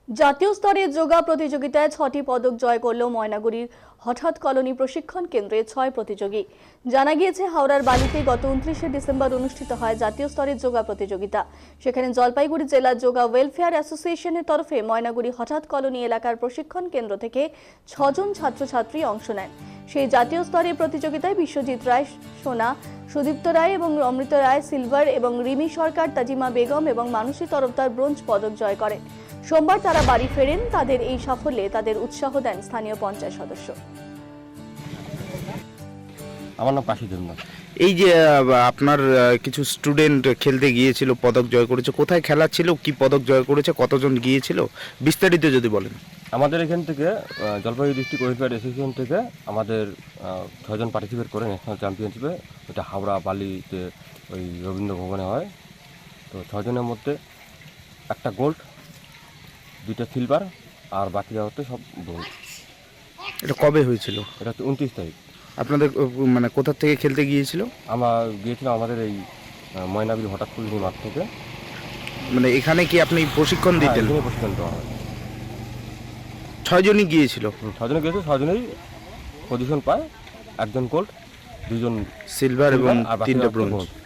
জাতীয় স্তরে যোগা প্রতিযোগিতায় 6টি পদক জয় করল ময়নাগুড়ির হঠাৎ কলোনি প্রশিক্ষণ কেন্দ্রে 6 প্রতিযোগী। জানা গিয়েছে, হাওড়ার বালিতে গত 29শে ডিসেম্বর অনুষ্ঠিত হয় জাতীয় স্তরের যোগা প্রতিযোগিতা। সেখানে জলপাইগুড়ি জেলা যোগা ওয়েলফেয়ার অ্যাসোসিয়েশনের তরফে ময়নাগুড়ি হঠাৎ কলোনি এলাকার প্রশিক্ষণ কেন্দ্র থেকে 6 জন ছাত্রছাত্রী অংশ নেন। সেই জাতীয় স্তরের প্রতিযোগিতায় বিশ্বজিৎ রায় সোনা, সুদীপ্ত রায় এবং অমৃত রায় সিলভার এবং রিমি সরকার, তাজিমা বেগম এবং মানসী তরফদার ব্রোঞ্জ পদক জয় করেন। সোমবার তারা বাড়ি ফেরেন। তাদের এই সাফল্যে তাদের উৎসাহ দেন স্থানীয় পঞ্চায়েত সদস্য। আমার নাম পাশি দেবনাথ। এই যে আপনার কিছু স্টুডেন্ট খেলতে গিয়েছিল, পদক জয় করেছে, কোথায় খেলা ছিল, কি পদক জয় করেছে, কতজন গিয়েছিল, বিস্তারিত যদি বলেন। আমাদের এখান থেকে জলপাইগুড়ি ডিস্ট্রিক্ট ওয়েলফেয়ার অ্যাসোসিয়েশন থেকে আমাদের 6 জন পার্টিসিপেট করে ন্যাশনাল চ্যাম্পিয়নশিপে। ওটা হাওড়া বালিতে ওই রবীন্দ্র ভবনে হয়। তো 6 জনের মধ্যে একটা গোল্ড, 2টা সিলভার, আর বাকিরা হচ্ছে সব ব্রোঞ্জ। এটা কবে হয়েছিল? এটা হচ্ছে 29 তারিখ। আপনাদের মানে কোথা থেকে খেলতে গিয়েছিল? আমরা গিয়েছিলাম আমাদের এই ময়নাগুড়ি হঠাৎ কলোনি মাঠ থেকে। মানে এখানে কি আপনি প্রশিক্ষণ দিতেন? এখানে প্রশিক্ষণ দেওয়া হয়। 6 জনই গিয়েছিল? 6 জনে গিয়েছে, 6 জনেই পজিশন পায়। একজন গোল্ড, 2জন সিলভার এবং 3টা ব্রোঞ্জ।